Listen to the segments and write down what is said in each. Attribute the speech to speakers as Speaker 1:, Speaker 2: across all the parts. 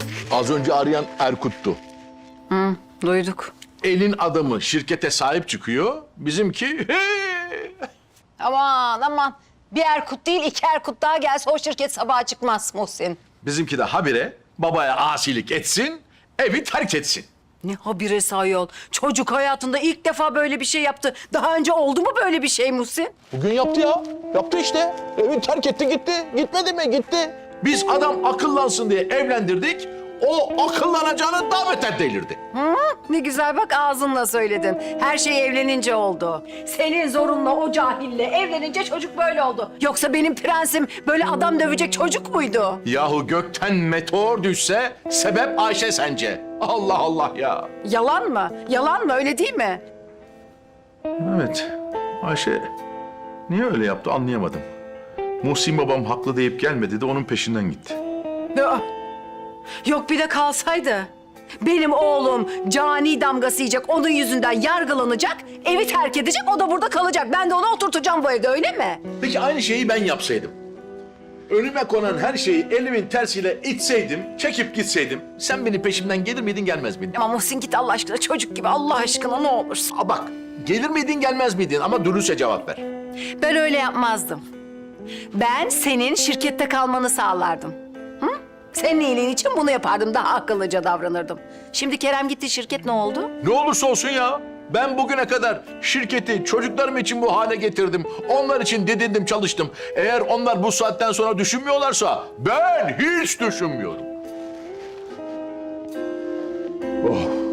Speaker 1: Az önce arayan Erkut'tu.
Speaker 2: Duyduk.
Speaker 1: Elin adamı şirkete sahip çıkıyor. Bizimki
Speaker 2: Aman aman. Bir Erkut değil 2 Erkut daha gelse o şirket sabaha çıkmaz Muhsin.
Speaker 1: bizimki de habire babaya asilik etsin, evi terk etsin.
Speaker 2: Ne habire ayol. Çocuk hayatında ilk defa böyle bir şey yaptı. Daha önce oldu mu böyle bir şey Muhsin?
Speaker 1: Bugün yaptı ya. Yaptı işte. Evi terk etti gitti. Gitmedi mi? Gitti. Biz adam akıllansın diye evlendirdik. O akıllanacağını daha beter delirdi.
Speaker 2: Ne güzel bak ağzınla söyledin. Her şey evlenince oldu. Senin zorunla o cahille evlenince çocuk böyle oldu. Yoksa benim prensim böyle adam dövecek çocuk muydu?
Speaker 1: Yahu gökten meteor düşse sebep Ayşe sence. Allah Allah ya.
Speaker 2: Yalan mı? Yalan mı? Öyle değil mi?
Speaker 1: Evet. Ayşe niye öyle yaptı anlayamadım. Muhsin babam haklı deyip gelmedi de onun peşinden gitti.
Speaker 2: Aa, yok bir de kalsaydı. Benim oğlum cani damgası yiyecek, onun yüzünden yargılanacak, evi terk edecek, o da burada kalacak. Ben de onu oturtacağım bu evde, öyle mi?
Speaker 1: Peki aynı şeyi ben yapsaydım. Önüme konan her şeyi elimin tersiyle itseydim, çekip gitseydim. Sen beni peşimden gelir miydin gelmez miydin?
Speaker 2: Ama Muhsin git Allah aşkına, çocuk gibi Allah aşkına ne olursun.
Speaker 1: Aa bak, gelir miydin gelmez miydin ama dürüstçe cevap ver.
Speaker 2: Ben öyle yapmazdım. Ben senin şirkette kalmanı sağlardım. Hı? Senin iyiliğin için bunu yapardım, daha akıllıca davranırdım. Şimdi Kerem gitti, şirket ne oldu?
Speaker 1: Ne olursa olsun ya. Ben bugüne kadar şirketi çocuklarım için bu hale getirdim. Onlar için didindim, çalıştım. Eğer onlar bu saatten sonra düşünmüyorlarsa ben hiç düşünmüyorum. Oh.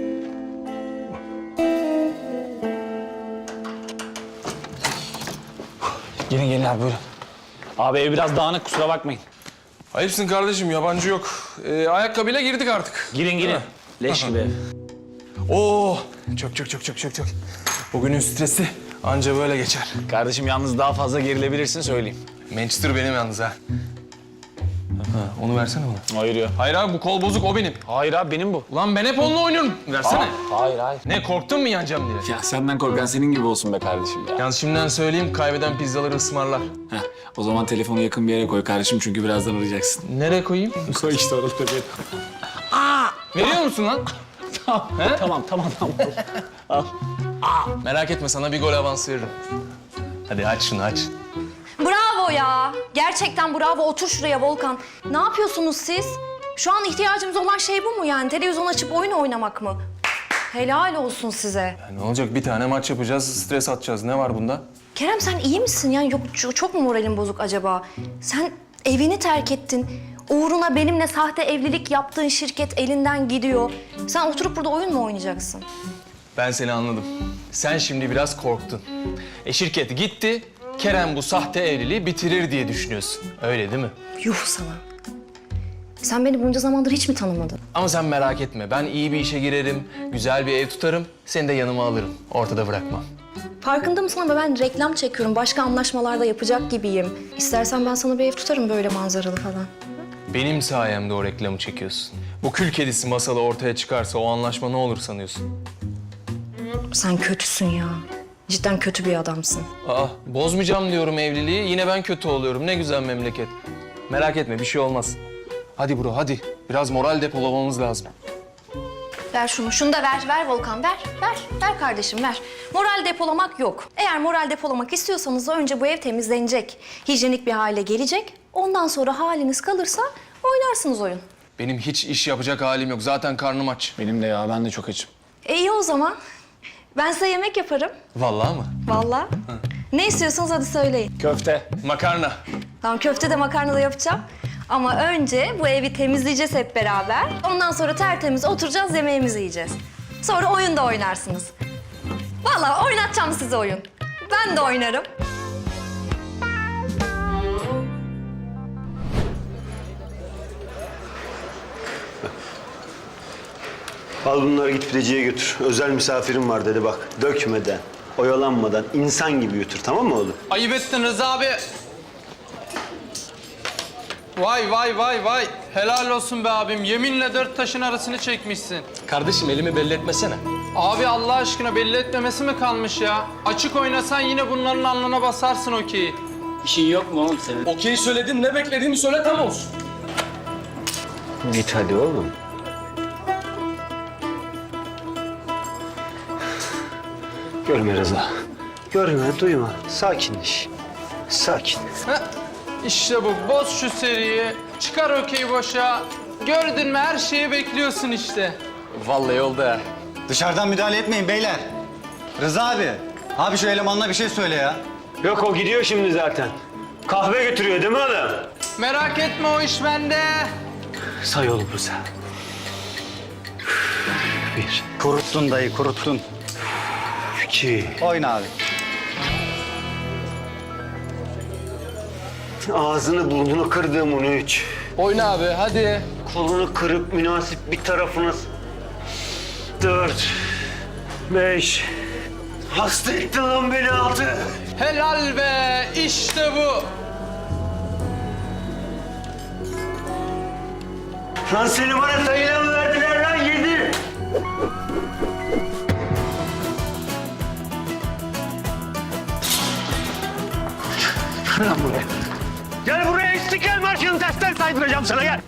Speaker 3: Gelin gelin abi buyurun. Abi ev biraz dağınık kusura bakmayın.
Speaker 4: Ayıpsın kardeşim, yabancı yok. Ayakkabıyla girdik artık.
Speaker 3: Girin girin. Leş gibi ev.
Speaker 4: Oo, çok. Bugünün stresi anca böyle geçer.
Speaker 3: Kardeşim yalnız daha fazla gerilebilirsin söyleyeyim.
Speaker 4: Manchester benim yalnız ha. Onu versene bana.
Speaker 3: Hayır ya.
Speaker 4: Hayır abi, bu kol bozuk, o benim.
Speaker 3: Hayır abi benim bu.
Speaker 4: Ulan ben hep onunla oynuyorum. Versene.
Speaker 3: Hayır.
Speaker 4: Ne, korktun mu yanacağım diye?
Speaker 3: Ya senden korkan senin gibi olsun be kardeşim ya.
Speaker 4: Yalnız şimdiden söyleyeyim, kaybeden pizzaları ısmarlar.
Speaker 3: Heh, o zaman telefonu yakın bir yere koy kardeşim çünkü birazdan arayacaksın.
Speaker 4: Nereye koyayım?
Speaker 3: Koy işte orada bir.
Speaker 4: Veriyor musun lan?
Speaker 3: Tamam.
Speaker 4: Merak etme, sana bir gol avans veririm. Hadi aç şunu, aç.
Speaker 5: Bravo ya. Gerçekten bravo. Otur şuraya Volkan. Ne yapıyorsunuz siz? Şu an ihtiyacımız olan şey bu mu yani? Televizyon açıp oyun oynamak mı? Helal olsun size.
Speaker 4: Ya ne olacak, bir tane maç yapacağız, stres atacağız. Ne var bunda?
Speaker 5: Kerem sen iyi misin? Yani yok çok mu moralin bozuk acaba? Sen evini terk ettin. Uğruna benimle sahte evlilik yaptığın şirket elinden gidiyor. Sen oturup burada oyun mu oynayacaksın?
Speaker 4: Ben seni anladım. Sen şimdi biraz korktun. Şirket gitti, Kerem bu sahte evliliği bitirir diye düşünüyorsun. Öyle değil mi?
Speaker 5: Yuh sana. Sen beni bunca zamandır hiç mi tanımadın?
Speaker 4: Ama sen merak etme. Ben iyi bir işe girerim, güzel bir ev tutarım. Seni de yanıma alırım. Ortada bırakmam.
Speaker 5: Farkında mısın ama ben reklam çekiyorum. Başka anlaşmalarda yapacak gibiyim. İstersen ben sana bir ev tutarım böyle manzaralı falan.
Speaker 4: Benim sayemde o reklamı çekiyorsun. Bu kül kedisi masalı ortaya çıkarsa o anlaşma ne olur sanıyorsun?
Speaker 5: Sen kötüsün ya. Cidden kötü bir adamsın.
Speaker 4: Bozmayacağım diyorum evliliği. Yine ben kötü oluyorum. Ne güzel memleket. Merak etme, bir şey olmaz. Hadi bro, hadi. Biraz moral depolamamız lazım.
Speaker 5: Ver şunu. Şunu da ver. Ver Volkan. Ver kardeşim ver. Moral depolamak yok. Eğer moral depolamak istiyorsanız da önce bu ev temizlenecek. Hijyenik bir hale gelecek. Ondan sonra haliniz kalırsa oynarsınız oyun.
Speaker 4: Benim hiç iş yapacak halim yok. Zaten karnım aç.
Speaker 3: Benim de ya ben de çok açım.
Speaker 5: İyi o zaman. Ben size yemek yaparım.
Speaker 4: Vallahi mı?
Speaker 5: Vallahi. Ne istiyorsanız hadi söyleyin.
Speaker 3: Köfte.
Speaker 4: Makarna.
Speaker 5: Tamam köfte de makarna da yapacağım. Ama önce bu evi temizleyeceğiz hep beraber. Ondan sonra tertemiz oturacağız, yemeğimizi yiyeceğiz. Sonra oyun da oynarsınız. Vallahi oynatacağım size oyun. Ben de oynarım.
Speaker 6: Al bunları git pideciye götür. Özel misafirim var dedi bak. Dökmeden, oyalanmadan, insan gibi götür, tamam mı oğlum?
Speaker 7: Ayıp ettin Rıza abi. Vay. Helal olsun be abim. Yeminle 4 taşın arasını çekmişsin.
Speaker 4: Kardeşim elimi belli etmesene.
Speaker 7: Abi Allah aşkına belli etmemesi mi kalmış ya? Açık oynasan yine bunların alnına basarsın okeyi.
Speaker 3: İşin yok mu oğlum senin?
Speaker 4: Okey söyledin, ne beklediğimi söyle tam olsun.
Speaker 6: Git hadi oğlum. Görme Rıza. Görme, duyma. Sakinleş. Sakin.
Speaker 7: Heh, İşte bu. Boz şu seriyi. Çıkar okeyi boşa. Gördün mü her şeyi bekliyorsun işte.
Speaker 3: Vallahi oldu ha.
Speaker 8: Dışarıdan müdahale etmeyin beyler. Rıza abi. Abi şu elemanla bir şey söyle ya.
Speaker 6: Yok o gidiyor şimdi zaten. Kahve götürüyor değil mi oğlum?
Speaker 7: Merak etme o iş bende.
Speaker 6: Say oğlum Rıza. Bir,
Speaker 8: Kuruttun dayı kuruttun.
Speaker 6: 2,
Speaker 8: Oyna abi.
Speaker 6: ağzını burnunu kırdığım onu 3.
Speaker 4: Oyna abi hadi.
Speaker 6: Kolunu kırıp münasip bir tarafını 4, 5. Hasta ettin lan beni 6.
Speaker 7: Helal be. İşte bu.
Speaker 6: Lan seni bana sayıyla mı verdiler lan 7? Gel lan buraya. Gel buraya İstiklal Marşı'nın tersten saydıracağım sana gel.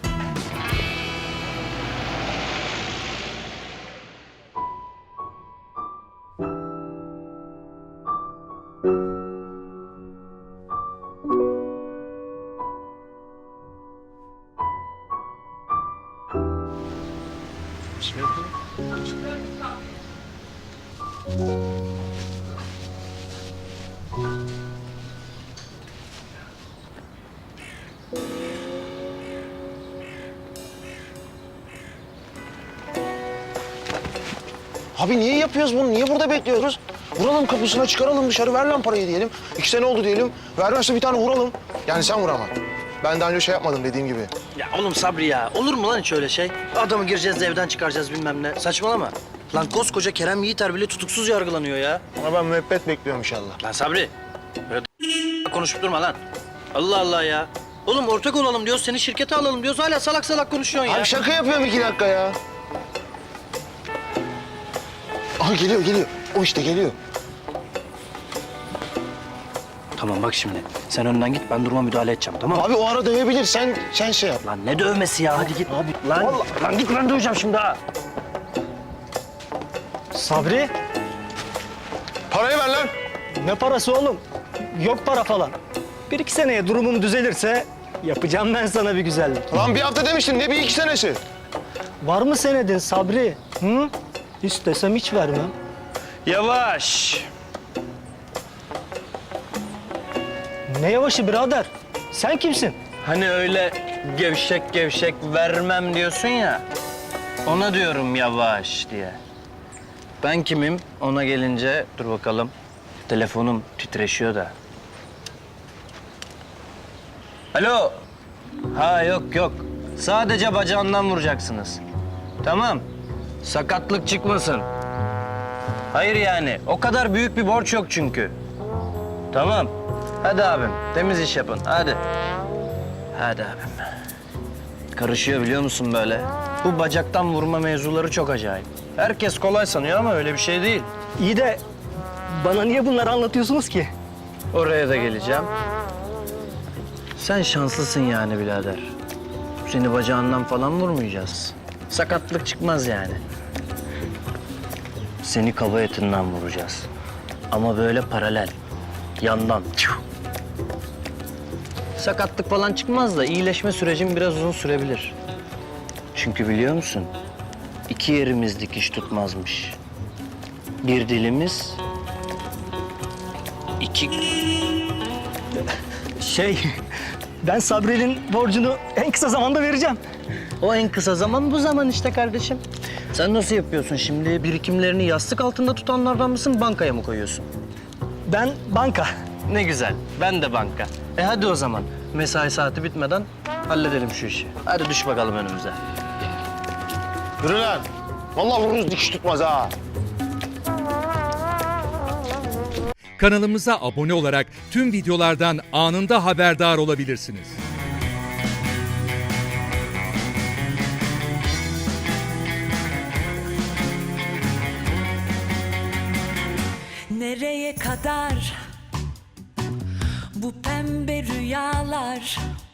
Speaker 9: Abi niye yapıyoruz bunu? Niye burada bekliyoruz? Vuralım kapısına, çıkaralım dışarı, ver lan parayı diyelim. 2 sene oldu diyelim. Vermezse bir tane vuralım. Yani sen vur ama. Ben daha önce şey yapmadım dediğim gibi.
Speaker 10: Ya oğlum Sabri ya. Olur mu lan hiç öyle şey? Adamı gireceğiz de evden çıkaracağız bilmem ne. Saçmalama. Lan koskoca Kerem Yiğiter bile tutuksuz yargılanıyor ya.
Speaker 9: Ama ben müebbet bekliyorum inşallah.
Speaker 10: Lan Sabri. Böyle konuşup durma lan. Allah Allah ya. Oğlum ortak olalım diyoruz, seni şirkete alalım diyoruz. Hala salak salak konuşuyorsun ya.
Speaker 9: Abi şaka yapıyorum 2 dakika ya. Aha geliyor, geliyor. O işte geliyor.
Speaker 10: Tamam bak şimdi. Sen önden git, ben duruma müdahale edeceğim, tamam mı?
Speaker 9: Abi o ara dövebilir. Sen şey yap.
Speaker 10: Lan ne dövmesi ya? Hadi git. Abi lan git, ben döveceğim şimdi ha.
Speaker 11: Sabri,
Speaker 9: Parayı ver lan.
Speaker 11: ne parası oğlum? Yok para falan. 1-2 seneye durumum düzelirse yapacağım ben sana bir güzellik.
Speaker 9: Lan bir hafta demiştin. Ne bir 2 senesi?
Speaker 11: Var mı senedin Sabri? Hı? İstesem hiç vermem.
Speaker 10: Yavaş.
Speaker 11: Ne yavaşı birader? Sen kimsin?
Speaker 10: Hani öyle gevşek gevşek vermem diyorsun ya. Ona diyorum yavaş diye. Ben kimim? Ona gelince dur bakalım. Telefonum titreşiyor da. Alo. Ha yok. Sadece bacağından vuracaksınız. Tamam. Sakatlık çıkmasın. Hayır yani. O kadar büyük bir borç yok çünkü. Tamam. Hadi abim. Temiz iş yapın. Hadi. Hadi abim. Karışıyor biliyor musun böyle? Bu bacaktan vurma mevzuları çok acayip. Herkes kolay sanıyor ama öyle bir şey değil.
Speaker 11: İyi de bana niye bunları anlatıyorsunuz ki?
Speaker 10: Oraya da geleceğim. Sen şanslısın yani birader. Seni bacağından falan vurmayacağız. Sakatlık çıkmaz yani. Seni kaba etinden vuracağız. Ama böyle paralel. Yandan. Sakatlık falan çıkmaz da iyileşme sürecin biraz uzun sürebilir. Çünkü biliyor musun? 2 yerimiz dikiş tutmazmış. Bir dilimiz, 2...
Speaker 11: Ben Sabri'nin borcunu en kısa zamanda vereceğim.
Speaker 10: O en kısa zaman bu zaman işte kardeşim. Sen nasıl yapıyorsun şimdi? Birikimlerini yastık altında tutanlardan mısın, bankaya mı koyuyorsun?
Speaker 11: Ben banka.
Speaker 10: Ne güzel, ben de banka. Hadi o zaman. Mesai saati bitmeden halledelim şu işi. Hadi düş bakalım önümüze.
Speaker 9: Yürü lan. Vallahi vururuz dikiş tutmaz ha.
Speaker 12: Kanalımıza abone olarak tüm videolardan anında haberdar olabilirsiniz.
Speaker 13: Nereye kadar bu pembe rüyalar?